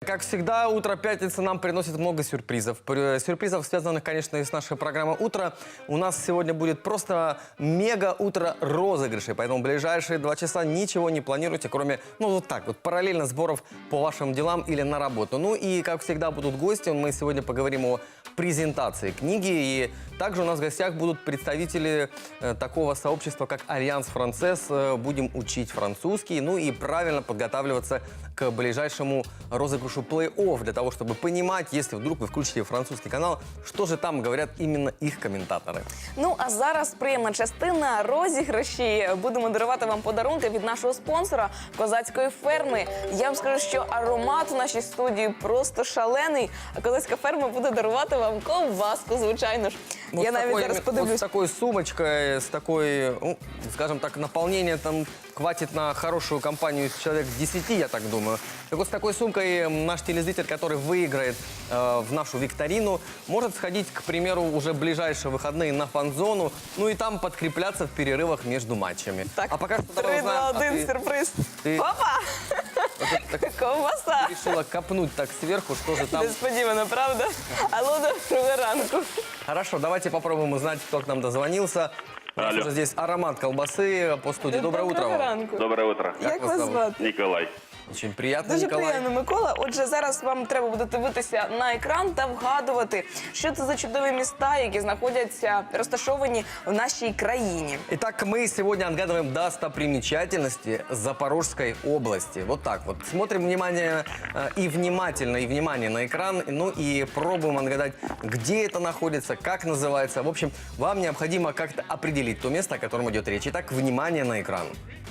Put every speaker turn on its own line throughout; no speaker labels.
Как всегда, утро пятницы нам приносит много сюрпризов. Сюрпризов, связанных, конечно, и с нашей программой «Утро». У нас сегодня будет просто мега-утро розыгрышей. Поэтому в ближайшие 2 часа ничего не планируйте, кроме, вот так вот, параллельно сборов по вашим делам или на работу. Ну и, как всегда, будут гости. Мы сегодня поговорим о презентации книги. И также у нас в гостях будут представители такого сообщества, как Альянс Францез. Будем учить французский, ну и правильно подготавливаться к ближайшему розыгрышу плей-офф, для того, чтобы понимать, если вдруг вы включите французский канал, что же там говорят именно их коментаторы.
Ну, а зараз приємна частина розіграші. Будемо дарувати вам подарунки від нашого спонсора Козацької ферми. Я вам скажу, що аромат у нашій студії просто шалений. А Козацька ферма буде дарувати вам ковбаску, звичайно ж.
Вот
Я навіть зараз
вот
подивлюсь.
с такой сумочкой, с такой, ну, скажем так, наполнение там хватит на хорошую компанию из человек 10, я так думаю. Так вот, с такой сумкой наш телезритель, который выиграет в нашу викторину, может сходить, к примеру, уже в ближайшие выходные на фан-зону, ну и там подкрепляться в перерывах между матчами.
Так,
А пока что давай
3, 2,
узнаем,
1, сюрприз.
ты-
Опа!
вот это так
Ковбаса!
решила копнуть так сверху, что же там...
Несподівано, правда? Алло, доброго ранку.
Хорошо, давайте попробуем узнать, кто к нам дозвонился. У нас
Алло.
уже здесь аромат колбасы по студии. Доброе утро
Доброго
вам.
ранку.
Доброе утро.
Як
вас
вас
зовут?
звати?
Николай.
Очень приятно,
Дуже
Николай.
приємно, Микола. Отже, зараз вам треба буде дивитися на екран та вгадувати, що це за чудові міста, які знаходяться розташовані в нашій країні.
Итак, мы сегодня отгадываем достопримечательности Запорожской области. Вот так вот. Смотрим внимание и внимание на экран. Ну и пробуем отгадать, где это находится, как называется. В общем, вам необходимо как-то определить то место, о котором идет речь. Итак, внимание на экран.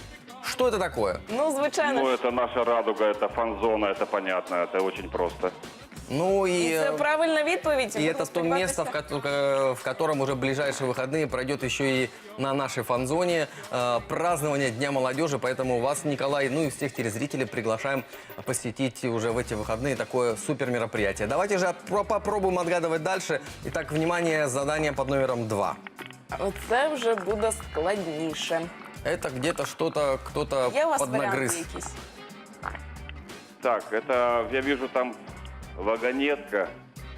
Что это такое?
Ну, звичайно,
Ну, это наша радуга, это фан-зона, это понятно, это очень просто.
Ну и...
це правильна відповідь.
И
Будемо
это то
сподіватися.
место, в котором уже в ближайшие выходные пройдет еще и на нашей фан-зоне празднование Дня молодежи. Поэтому вас, Николай, ну и всех телезрителей приглашаем посетить уже в эти выходные такое супер мероприятие. Давайте же попробуем отгадывать дальше. Итак, внимание, задание под номером 2.
Оце вже буде складніше.
Это где-то что-то кто-то
Є у вас варіанти
поднагрыз.
якісь?
Так, это, я вижу там вагонетка.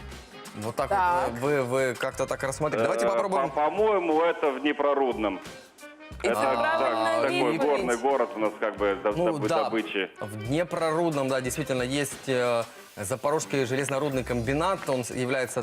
Вот так,
Так.
вот вы как-то так рассмотрели. Давайте попробуем.
По-моему, это в Днепрорудном.
І це правильна
такой
відповідь.
горный город у нас как бы
Ну да,
добычи.
в Днепрорудном, да, действительно, есть Запорожский железнорудный комбинат. Он является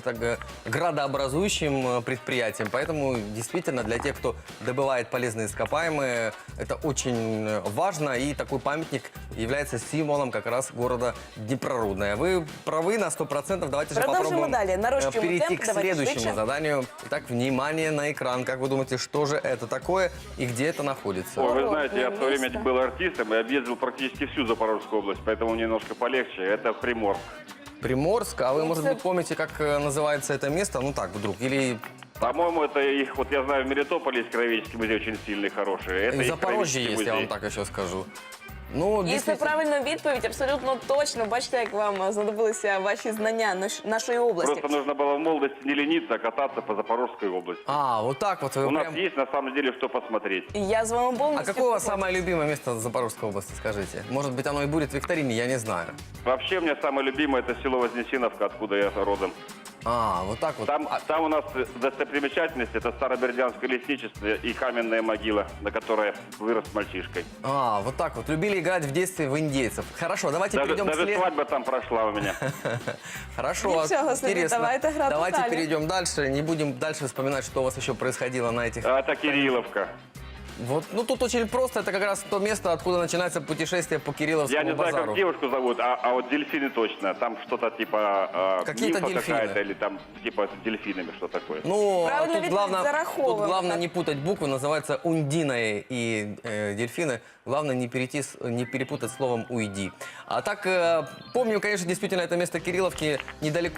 градообразующим предприятием. Поэтому, действительно, для тех, кто добывает полезные ископаемые, это очень важно. И такой памятник является символом как раз города Днепрорудное. Вы правы на 100%. Давайте же
Продолжим
попробуем
далее. Нарощиваем
перейти
темп.
к
Давайте
следующему
швидше.
заданию. Итак, внимание на экран. Как вы думаете, что же это такое и где это находится?
Ой, вы
Городное
знаете, я в свое время
место.
был артистом и объездил практически всю Запорожскую область, поэтому немножко полегче. Это Приморск.
Приморск, а вы,
Ну,
может
это-
быть, помните, как называется это место? Ну так, вдруг. Или
По-моему, это их, вот я знаю, в Мелитополе есть краеведческий музей очень сильный, хороший. Это
в
их
Запорожье
краеведческий
есть, я вам
музей.
так еще скажу. Ну,
І це
действительно.
правильна відповідь, абсолютно точно. Бачите, як вам знадобилися ваші знання нашої області.
Просто нужно было в молодости не лениться, а кататься по Запорожской области.
А, вот так вот. Вы
У нас
прям...
есть на самом деле что посмотреть.
І я з вами
А
повністю...
какое у вас
погоджуюсь.
самое любимое место в Запорожской области, скажите? Может быть, оно и будет в викторине, я не знаю.
Вообще, мне самое любимое это село Вознесеновка, откуда я родом.
А, вот так вот.
Там у нас достопримечательность, это Старобердянское лесничество и каменная могила, на которой вырос мальчишкой.
А, вот так вот. Любили играть в детстве в индейцев. Хорошо, давайте перейдем к
Даже
след...
свадьба там прошла у меня.
Хорошо,
Ничего себе,
интересно.
давайте играть
Давайте
далее.
перейдем дальше. Не будем дальше вспоминать, что у вас еще происходило на этих...
Это Кирилловка.
Вот, ну тут очень просто. Это как раз то место, откуда начинается путешествие по Кирилловскому
Я не знаю,
базару.
как девушку зовут, а вот дельфины точно. Там что-то типа
Какие-то
нимфа
дельфины.
какая-то или там типа с дельфинами, что такое.
Ну,
Правильно
тут
ведь
главное,
зараховываем,
тут главное
так.
не путать буквы, называется ундиной и дельфины. Главное не не перепутать словом уйди. А так, помню, конечно, действительно, это место Кирилловки недалеко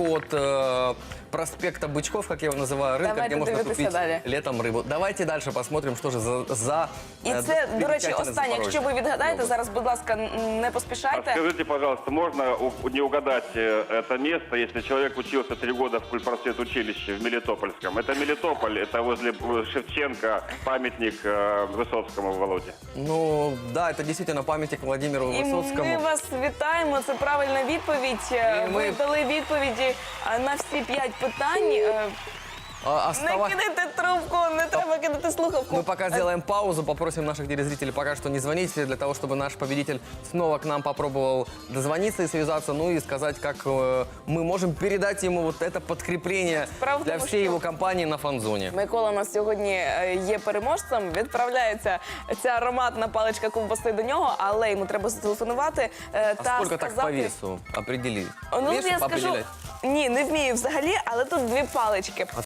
от проспекта Бычков, как я его называю, рынка,
Давайте
где можно
дивитися
купить
далі.
летом рыбу. Давайте дальше посмотрим, что же за
І це, до речі,
достопримечательность
останнє. Якщо ви
Запорожья.
відгадаєте, зараз, будь ласка, не
А
поспішайте.
скажите, пожалуйста, можно не угадать это место, если человек учился 3 года в культпросветучилище в Мелитопольском? Это Мелитополь, это возле Шевченко, памятник Высоцкому Володе.
Ну, да, это действительно памятник Владимиру
І
Высоцкому.
ми вас вітаємо. Це правильна відповідь.
І
Ви
ми-
дали відповіді на всі 5 питань. Не кидайте трубку, не треба кидати слухавку.
Мы пока сделаем паузу, попросим наших телезрителей пока что не звонить, для того, чтобы наш победитель снова к нам попробовал дозвониться и связаться, ну и сказать, как мы можем передать ему вот это подкрепление
Справа в
для
тому,
всей
що-
его компании на фан-зоне.
Микола у нас сьогодні є переможцем. Відправляється ця ароматна паличка ковбаси до нього, але йому треба зателефонувати
А
та
сколько так по
сказати...
весу определить?
Ну,
Вес
я скажу,
определять?
ні, не вмію взагалі, але тут 2 палички.